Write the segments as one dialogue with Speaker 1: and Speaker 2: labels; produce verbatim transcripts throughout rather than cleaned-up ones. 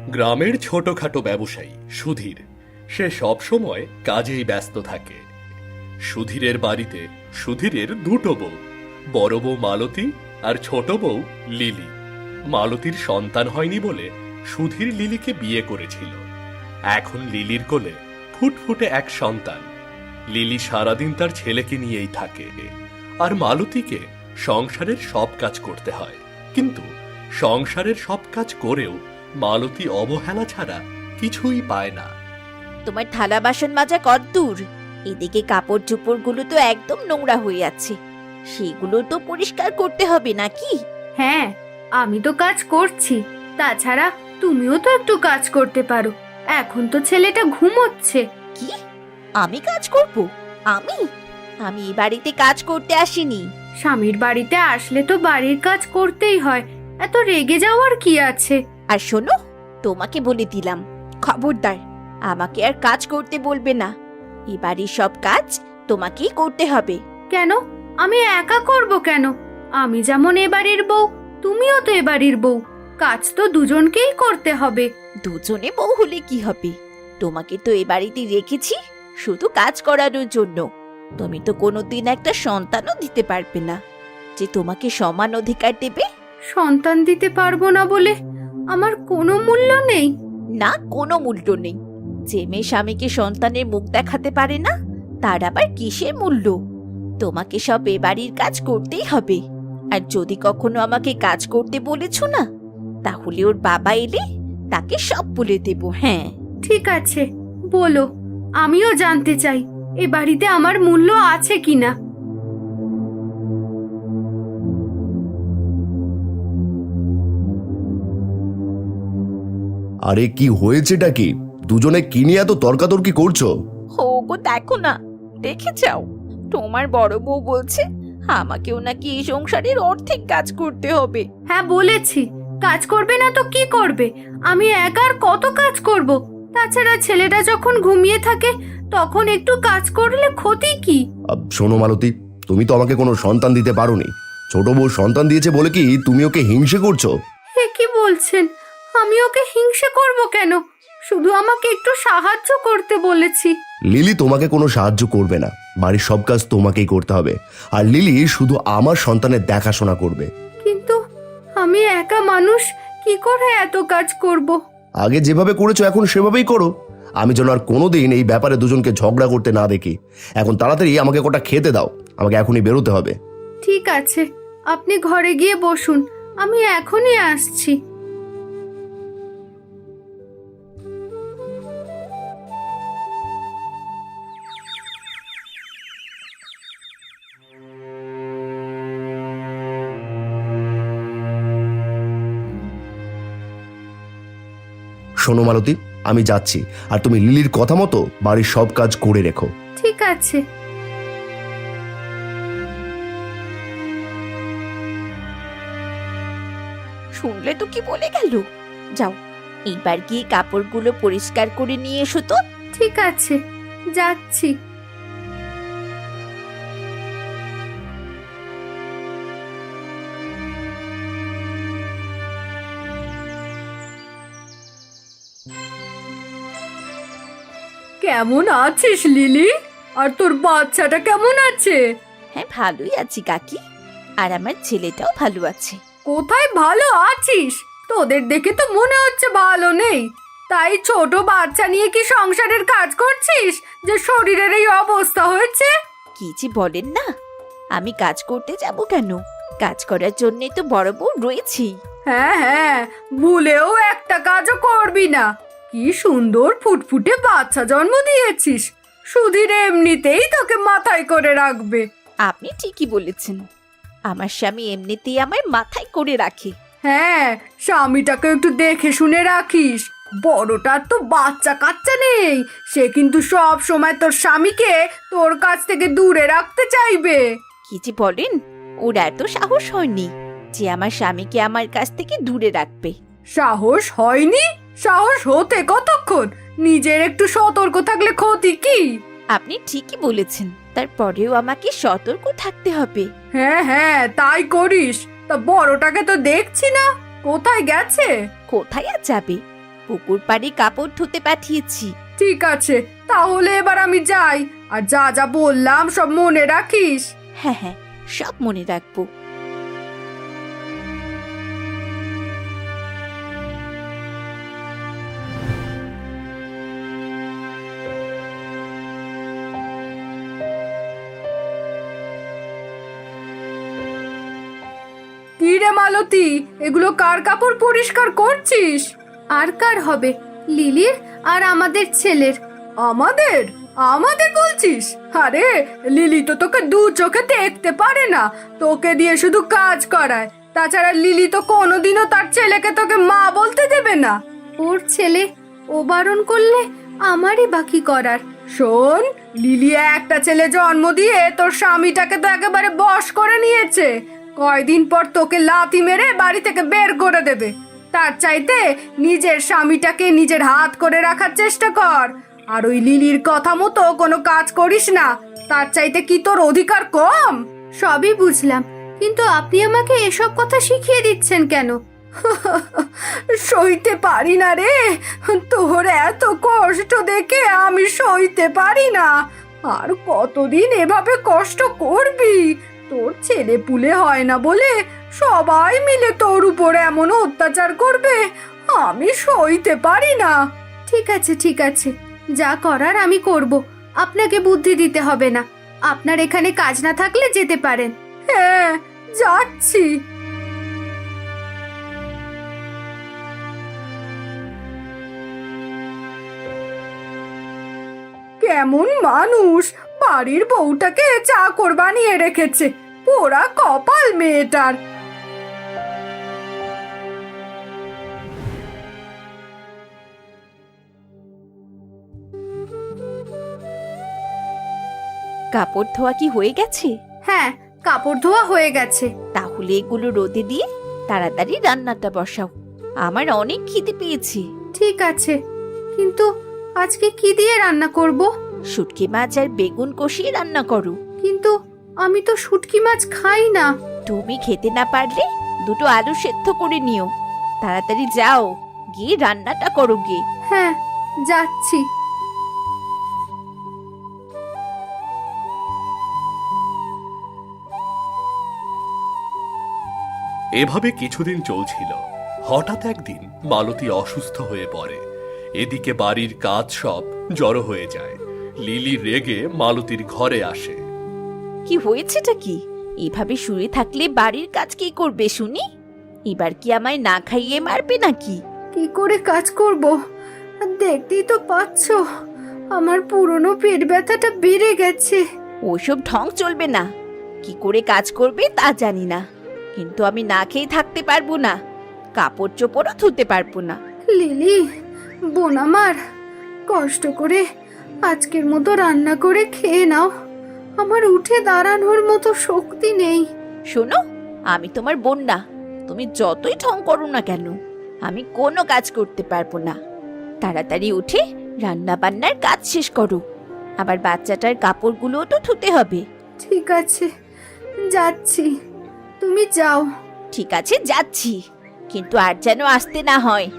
Speaker 1: গ্রামের ছোটখাটো ব্যবসায়ী সুধীর, সে সবসময় কাজেই ব্যস্ত থাকে। সুধীরের বাড়িতে সুধীরের দুটো বউ, বড় বউ মালতী আর ছোট বউ লিলি। মালতীর সন্তান হয়নি বলে সুধীর লিলিকে বিয়ে করেছিল। এখন লিলির কোলে ফুটফুটে এক সন্তান। লিলি সারাদিন তার ছেলেকে নিয়েই থাকে, আর মালতীকে সংসারের সব কাজ করতে হয়। কিন্তু সংসারের সব কাজ করেও মালতী অবহেলা ছাড়া কিছুই পায় না।
Speaker 2: তোমার থালা বাসন মাজা কতদূর? এদিকে কাপড় চোপড় গুলো তো একদম নোংরা হয়ে আছে, সেগুলো তো পরিষ্কার করতে হবে নাকি?
Speaker 3: হ্যাঁ, আমি তো কাজ করছি। তাছাড়া তুমিও তো একটু কাজ করতে পারো। এখন তো ছেলেটা ঘুমোচ্ছে।
Speaker 2: কি? আমি কাজ করব? আমি আমি এই বাড়িতে কাজ করতে আসিনি।
Speaker 3: স্বামীর বাড়িতে আসলে তো বাড়ির কাজ করতেই হয়, এত রেগে যাওয়ার কি আছে?
Speaker 2: আর শোনো, তোমাকে বলে দিলাম, খবরদার আমাকে আর কাজ করতে বলবে না। এই বাড়ির সব কাজ তোমাকেই করতে হবে।
Speaker 3: কেন? আমি একা করব কেন? আমি যেমন এ বাড়ির বউ, তুমিও তো এ বাড়ির বউ। কাজ তো দুজনকেই করতে হবে।
Speaker 2: দুজনে বউ হলে কি হবে? তোমাকে তো এ বাড়িতে রেখেছি শুধু কাজ করানোর জন্য। তুমি তো কোনোদিন একটা সন্তানও দিতে পারবে না যে তোমাকে সমান অধিকার দেবে।
Speaker 3: সন্তান দিতে পারবো না বলে আমার কোনো মূল্য নেই?
Speaker 2: না, কোনো মূল্য নেই। যে মেয়ে স্বামীকে সন্তানের মুখ দেখাতে পারে না, তার আবার কিসের মূল্য? তোমাকে সব এ বাড়ির কাজ করতেই হবে। আর যদি কখনো আমাকে কাজ করতে বলেছ না, তাহলে ওর বাবা এলে তাকে সব বলে দেব। হ্যাঁ,
Speaker 3: ঠিক আছে, বলো। আমিও জানতে চাই এ বাড়িতে আমার মূল্য আছে কিনা।
Speaker 4: আরে কি হয়েছেটা কি? দুজনে কি নিয়ে এত তর্কাতর্কি করছো?
Speaker 2: ও গো, দেখো না, দেখে যাও। তোমার বড় বউ বলছে আমাকেও নাকি এই সংসারের অর্ধেক কাজ করতে হবে।
Speaker 3: হ্যাঁ, বলেছি। কাজ করবে না তো কি করবে? আমি একা আর কত কাজ করব? তাছাড়া ছেলেটা যখন ঘুমিয়ে থাকে তখন একটু কাজ করলে ক্ষতি কি?
Speaker 4: আব, শোনো মালতী, তুমি তো আমাকে কোনো সন্তান দিতে পারোনি। ছোট বউ সন্তান দিয়েছে বলে কি তুমি ওকে হিংসে করছো?
Speaker 3: এ কি বলছেন? আমি ওকে হিংসে করব কেন? শুধু আমাকে একটু সাহায্য করতে বলেছি।
Speaker 4: লিলি তোমাকে কোনো সাহায্য করবে না। বাড়ির সব কাজ তোমাকেই করতে হবে। আর লিলি শুধু আমার সন্তানের দেখাশোনা করবে।
Speaker 3: কিন্তু আমি একা মানুষ, কি করে এত কাজ করব?
Speaker 4: আগে যেভাবে করেছো এখন সেভাবেই করো। আমি যেন আর কোনোদিন এই ব্যাপারে দুজনকে ঝগড়া করতে না দেখি। এখন তাড়াতাড়ি আমাকে কোটা খেতে দাও, আমাকে এখনই বেরোতে হবে।
Speaker 3: ঠিক আছে, আপনি ঘরে গিয়ে বসুন, আমি এখনই আসছি।
Speaker 4: শোনো মালতী, আমি যাচ্ছি, আর তুমি লিলির কথা মতো বাড়ির সব কাজ করে রেখো।
Speaker 3: ঠিক আছে।
Speaker 2: শুনলে তো কি বলে গেল। যাও, এইবার গিয়ে কাপড়গুলো পরিষ্কার করে নিয়ে এসো তো।
Speaker 3: ঠিক আছে, যাচ্ছি। কেমন আছিস লিলি? আর তোর বাচ্চাটা কেমন আছে?
Speaker 2: হ্যাঁ, ভালোই আছি কাকি, আর আমার ছেলেটাও ভালো আছে।
Speaker 3: কোথায় ভালো আছিস? তোদের দেখে তো মনে হচ্ছে ভালো নেই। তাই ছোট বাচ্চা নিয়ে কি সংসারের কাজ করছিস যে শরীরের এই অবস্থা হয়েছে?
Speaker 2: কি যে বলেন না, আমি কাজ করতে যাব কেন? কাজ করার জন্যই তো বড় বউ রয়েছি।
Speaker 3: হ্যাঁ হ্যাঁ, ভুলেও একটা কাজও করবি না। কি সুন্দর ফুটফুটে বাচ্চা জন্ম দিয়েছিস। সুধীর এমনিতেই তোকে মাথায় করে রাখবে।
Speaker 2: আপনি ঠিকই বলেছেন, আমার স্বামী এমনিতেই আমার মাথায় করে রাখে।
Speaker 3: হ্যাঁ, স্বামীটাকে একটু দেখে শুনে রাখিস। বড়টার তো বাচ্চা কাচ্চা নেই, সে কিন্তু সব সময় তোর স্বামীকে তোর কাছ থেকে দূরে রাখতে চাইবে।
Speaker 2: কি যে বলেন, ওর এত সাহস হয়নি যে আমার স্বামীকে আমার কাছ থেকে দূরে রাখবে।
Speaker 3: সাহস হয়নি? সাহস হতে কতক্ষণ? নিজের একটু সতর্ক থাকলে ক্ষতি কি?
Speaker 2: আপনি ঠিকই বলেছেন, তারপরেও আমাকে সতর্ক থাকতে হবে।
Speaker 3: হ্যাঁ হ্যাঁ, তাই করিস। তা বড়টাকে তো দেখছি না, কোথায় গেছে?
Speaker 2: কোথায় আর যাবে? পুকুর পাড়ে কাপড় ধুতে পাঠিয়েছি।
Speaker 3: ঠিক আছে, তাহলে এবার আমি যাই। আর যা যা বললাম সব মনে রাখিস।
Speaker 2: হ্যাঁ হ্যাঁ, সব মনে রাখবো।
Speaker 3: কি রে মালতী, এগুলো কার কাপড় পরিষ্কার করছিস? আর কার হবে? লিলির আর আমাদের ছেলের। আমাদের আমাদের বলছিস? আরে লিলি তো তোকে দু চোখে দেখতে পারে না, তোকে দিয়ে শুধু কাজ করায়। তাছাড়া লিলি তো কোনোদিনও তার ছেলেকে তোকে মা বলতে দেবে না। ওর ছেলে ও বারণ করলে আমারই বাকি করার। শোন, লিলি একটা ছেলে জন্ম দিয়ে তোর স্বামীটাকে তো একেবারে বশ করে নিয়েছে। কয়দিন পর তোকে লাথি মেরে বাড়ি থেকে বের করে দেবে। তার চাইতে নিজের স্বামীটাকে নিজের হাত করে রাখার চেষ্টা কর। আর ওই লিলির কথা মতো কোনো কাজ করিস না। তার চাইতে কি তোর অধিকার কম? সবই বুঝলাম, কিন্তু আপনি আমাকে এসব কথা শিখিয়ে দিচ্ছেন কেন? সইতে পারি না রে, তোর এত কষ্ট দেখে আমি সইতে পারি না। আর কতদিন এভাবে কষ্ট করবি? তোর ছেলে পুলে হয় না বলে সবাই মিলে তোর উপর এমন অত্যাচার করবে, আমি সইতে পারি না। ঠিক আছে ঠিক আছে, যা করার আমি করব। আপনাকে বুদ্ধি দিতে হবে না। আপনার এখানে কাজ না থাকলে যেতে পারেন। হ্যাঁ, যাচ্ছি। কেমন মানুষ, বাড়ির বউটাকে চাকর বানিয়ে রেখেছে। পোড়া কপাল মেয়েটার।
Speaker 2: কাপড় ধোয়া কি হয়ে গেছে?
Speaker 3: হ্যাঁ, কাপড় ধোয়া হয়ে গেছে।
Speaker 2: তাহলে এগুলো রোদে দিয়ে তাড়াতাড়ি রান্নাটা বসাও। আমার অনেক খিদে পেয়েছে।
Speaker 3: ঠিক আছে, কিন্তু আজকে কি দিয়ে রান্না করব?
Speaker 2: শুটকি মাছ আর বেগুন কষিয়ে রান্না করো।
Speaker 3: কিন্তু আমি তো শুটকি মাছ খাই না।
Speaker 2: তুমি খেতে না পারলে দুটো আলু সেদ্ধ করে নিও। তাড়াতাড়ি যাও, গিয়ে রান্নাটা করো গিয়ে।
Speaker 3: হ্যাঁ, যাচ্ছি।
Speaker 1: এভাবে কিছুদিন চলছিল। হঠাৎ একদিন মালতী অসুস্থ হয়ে পড়ে। এদিকে বাড়ির কাজ সব জড়ো হয়ে যায়। লিলি রেগে মালতীর ঘরে আসে।
Speaker 2: কি হয়েছেটা কি? এভাবে শুয়ে থাকলে বাড়ির কাজ কে করবে শুনি? এবার কি আমায় না খাইয়ে মারবে নাকি?
Speaker 3: কি করে কাজ করব? দেখতেই তো পাচ্ছ, আমার পুরনো পেট ব্যথাটা বেড়ে গেছে।
Speaker 2: ওইসব ঢং চলবে না। কি করে কাজ করবে তা জানি না, কিন্তু আমি না খেয়ে থাকতে পারবো না। কাপড় চোপড়ও ধুতে পারবো না।
Speaker 3: লিলি, বোন আমার, কষ্ট করে আজকের মতো রান্না করে খেয়ে নাও। আমার উঠে দাঁড়ানোর মতো শক্তি নেই।
Speaker 2: শোনো, আমি তোমার বোন না। তুমি যতই ঢং করো না কেন, আমি কোনো কাজ করতে পারবো না। তাড়াতাড়ি উঠে রান্না বান্নার কাজ শেষ করো। আবার বাচ্চাটার কাপড়গুলোও তো ধুতে হবে।
Speaker 3: ঠিক আছে, যাচ্ছি। তুমি যাও।
Speaker 2: ঠিক আছে, যাচ্ছি, কিন্তু আর যেন আসতে না হয়।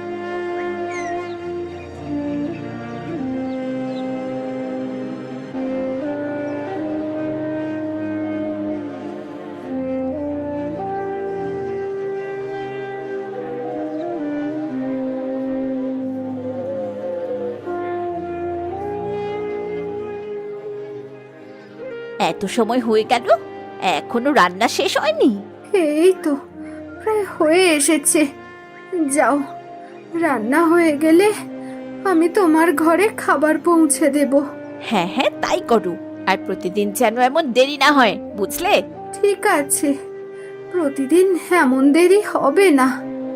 Speaker 2: এত সময় হয়ে গেল, এখনো রান্না শেষ হয়নি?
Speaker 3: এই তো প্রায় হয়ে এসেছে। যাও, রান্না হয়ে গেলে আমি তোমার ঘরে খাবার পৌঁছে দেব।
Speaker 2: হ্যাঁ হ্যাঁ, তাই করো। আর প্রতিদিন যেন এমন দেরি না হয়, বুঝলে?
Speaker 3: ঠিক আছে, প্রতিদিন এমন দেরি হবে না।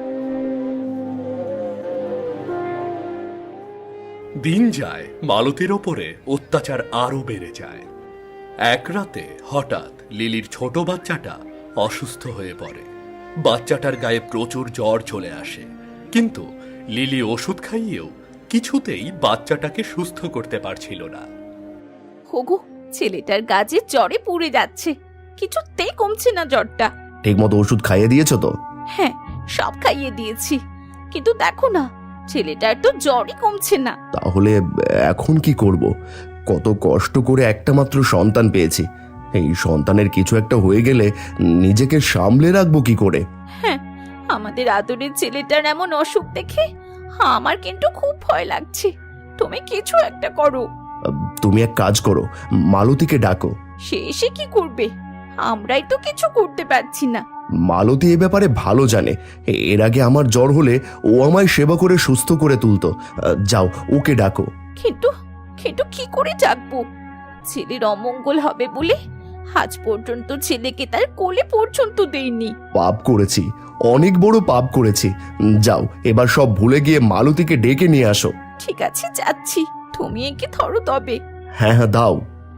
Speaker 1: দিন যায়, মালতীর ওপরে অত্যাচার আরো বেড়ে যায়। এক রাতে হঠাৎ লিলির ছোট বাচ্চাটা অসুস্থ হয়ে পড়ে। বাচ্চাটার গায়ে প্রচুর জ্বর চলে আসে, কিন্তু লিলি ওষুধ খাইয়েও কিছুতেই বাচ্চাটাকে সুস্থ করতে পারছিল না।
Speaker 2: হোগো, ছেলেটার গাছে জ্বরে পুড়ে যাচ্ছে, কিছুতেই কমছে না জ্বরটা।
Speaker 4: ঠিক মতো ওষুধ খাইয়ে দিয়েছো তো?
Speaker 2: হ্যাঁ, সব খাইয়ে দিয়েছি, কিন্তু দেখো না, ছেলেটার তো জ্বরই কমছে না।
Speaker 4: তাহলে এখন কি করব? কত কষ্ট করে একটা মাত্র সন্তান পেয়েছি, এই সন্তানের কিছু একটা হয়ে গেলে নিজেকে সামলে রাখবো কি করে?
Speaker 2: হ্যাঁ, আমাদের আদরের ছেলেটার এমন অসুখ দেখে আমার কিন্তু খুব ভয় লাগছে। তুমি কিছু একটা করো।
Speaker 4: তুমি এক কাজ করো, মালতীকে ডাকো।
Speaker 2: সে এসে কি করবে? আমরাই তো কিছু করতে পারছি না।
Speaker 4: মালতী এ ব্যাপারে ভালো জানে। এর আগে আমার জ্বর হলে ও আমায় সেবা করে সুস্থ করে তুলতো। আহ, যাও, ওকে ডাকো।
Speaker 2: কিন্তু কিন্তু কি করে ডাকবো? ছেলের অমঙ্গল হবে বলে আজ পর্যন্ত ছেলেকে তার কোলে পর্যন্ত দেইনি।
Speaker 4: পাপ করেছি, অনেক বড় পাপ করেছি। যাও, এবার সব ভুলে গিয়ে মালতীকে ডেকে নিয়ে আসো।
Speaker 2: ঠিক আছে, যাচ্ছি। তুমি একে ধরো তবে।
Speaker 4: হ্যাঁ হ্যাঁ, দাও।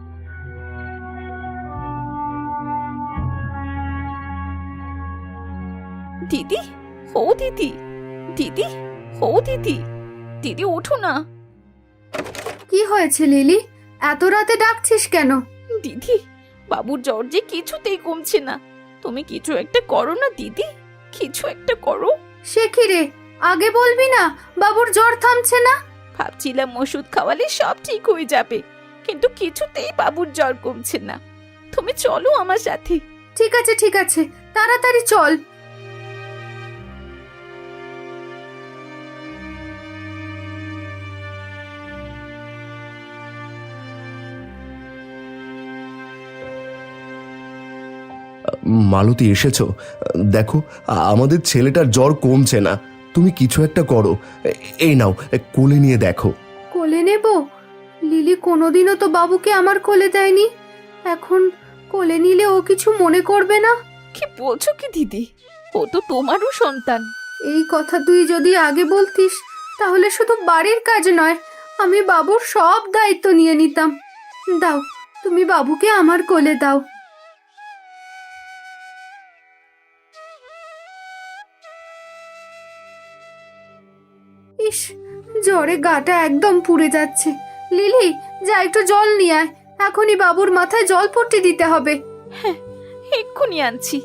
Speaker 2: দিদি, ও দিদি, দিদি, ও দিদি, দিদি ওঠো না।
Speaker 3: কি হয়েছে লিলি? এত রাতে ডাকছিস কেন?
Speaker 2: দিদি, বাবুর জ্বর যে কিছুতেই কমছে না। তুমি কিছু একটা করো না দিদি, কিছু একটা করো।
Speaker 3: সে কি রে, আগে বলবি না বাবুর জ্বর থামছে না?
Speaker 2: ভাবছিলাম ওষুধ খাওয়ালে সব ঠিক হয়ে যাবে, কিন্তু কিছুতেই বাবুর জ্বর কমছে না। তুমি চলো আমার সাথে।
Speaker 3: ঠিক আছে ঠিক আছে, তাড়াতাড়ি চল।
Speaker 4: মালতী, এসেছো? দেখো, আমাদের ছেলেটার জ্বর কমছে না। তুমি কিছু একটা করো। এই নাও, কোলে নিয়ে দেখো।
Speaker 3: কোলে নেব? লিলি কোনোদিনও তো বাবুকে আমার কোলে দেয়নি। এখন কোলে নিলে ও কিছু মনে করবে না?
Speaker 2: কি বলছো কি দিদি? ও তো তোমারও সন্তান।
Speaker 3: এই কথা তুই যদি আগে বলতিস, তাহলে শুধু বাড়ির কাজ নয়, আমি বাবুর সব দায়িত্ব নিয়ে নিতাম। দাও, তুমি বাবুকে আমার কোলে দাও। ইস, জ্বরে গাটা একদম পুড়ে যাচ্ছে। লিলি, যা একটু জল নিয়ে আয়, এখনই বাবুর মাথায় জল পট্টি দিতে হবে।
Speaker 2: হ্যাঁ, এক্ষুনি আনছি।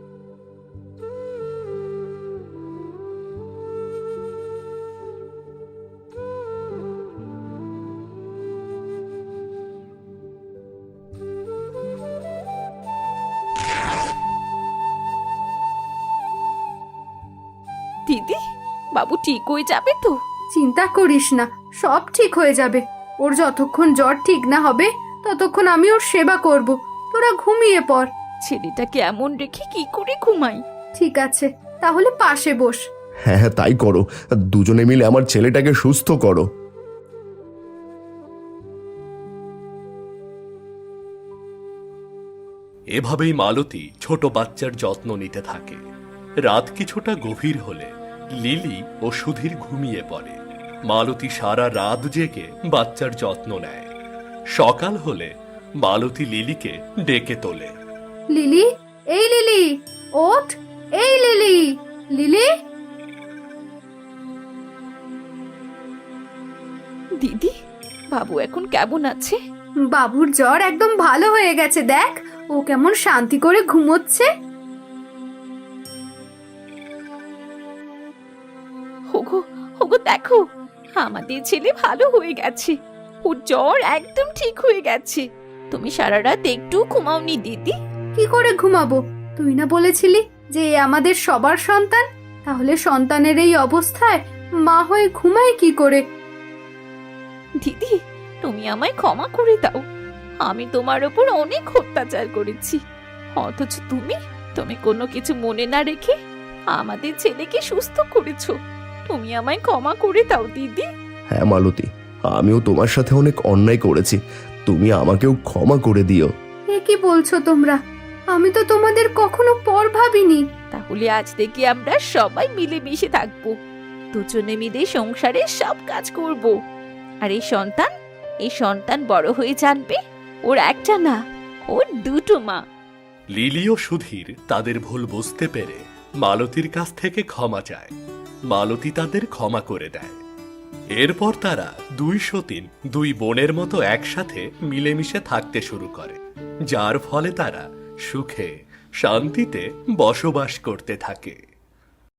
Speaker 2: দিদি, বাবু ঠিক হয়ে যাবে তো?
Speaker 3: চিন্তা করিস না, সব ঠিক হয়ে যাবে। ওর যতক্ষণ জ্বর ঠিক না হবে ততক্ষণ আমি ওর সেবা করব। তোরা ঘুমিয়ে পড়।
Speaker 2: ছেলেটাকে এমন রেখে কি করে ঘুমাই?
Speaker 3: ঠিক আছে, তাহলে পাশে বস।
Speaker 4: হ্যাঁ হ্যাঁ, তাই করো। দুজনে মিলে আমার ছেলেটাকে সুস্থ করো।
Speaker 1: এভাবেই মালতী ছোট বাচ্চার যত্ন নিতে থাকে। রাত কিছুটা গভীর হলে লিলি ও সুধীর ঘুমিয়ে পড়ে। মালতী সারা রাত জেগে বাচ্চার যত্ন নেয়। সকাল হলে মালতী লিলিকে ডেকে তোলে।
Speaker 3: লিলি, এই লিলি, ওঠ। এই লিলি, লিলি।
Speaker 2: দিদি, বাবু এখন কেমন আছে?
Speaker 3: বাবুর জ্বর একদম ভালো হয়ে গেছে, দেখ ও কেমন শান্তি করে ঘুমোচ্ছে।
Speaker 2: ওগো, ওগো দেখো, আমাদের ছেলে ভালো হয়ে গেছে। ওর জ্বর একদম ঠিক হয়ে গেছে। তুমি সারা রাত একটু ঘুমাওনি দিদি?
Speaker 3: কি করে ঘুমাবো? তুই না বলেছিলি যে এ আমাদের সবার সন্তান? তাহলে সন্তানের এই অবস্থায় মা হয়ে ঘুমায় কি করে?
Speaker 2: দিদি, তুমি আমায় ক্ষমা করে দাও। আমি তোমার ওপর অনেক অত্যাচার করেছি, অথচ তুমি তুমি কোনো কিছু মনে না রেখে আমাদের ছেলেকে সুস্থ করেছো। তুমি আমায় ক্ষমা করে দাও দিদি।
Speaker 4: হ্যাঁ মালতী, আমিও তোমার সাথে অনেক অন্যায় করেছি। তুমি আমাকেও ক্ষমা করে দিও।
Speaker 3: এ কি বলছো তোমরা? আমি তো তোমাদের কখনো পর ভাবিনি।
Speaker 2: তাহলে আজ থেকে আমরা সবাই মিলেমিশে থাকবো, দুজনে মিলে সংসারে সব কাজ করব। আর এই সন্তান এই সন্তান বড় হয়ে জানবে ওর একটা না, ওর দুটো মা।
Speaker 1: লিলি ও সুধীর তাদের ভুল বুঝতে পেরে মালতীর কাছ থেকে ক্ষমা চায়। মালতী তাদের ক্ষমা করে দেয়। এরপর তারা দুই সতীন দুই বোনের মতো একসাথে মিলেমিশে থাকতে শুরু করে, যার ফলে তারা সুখে শান্তিতে বসবাস করতে থাকে।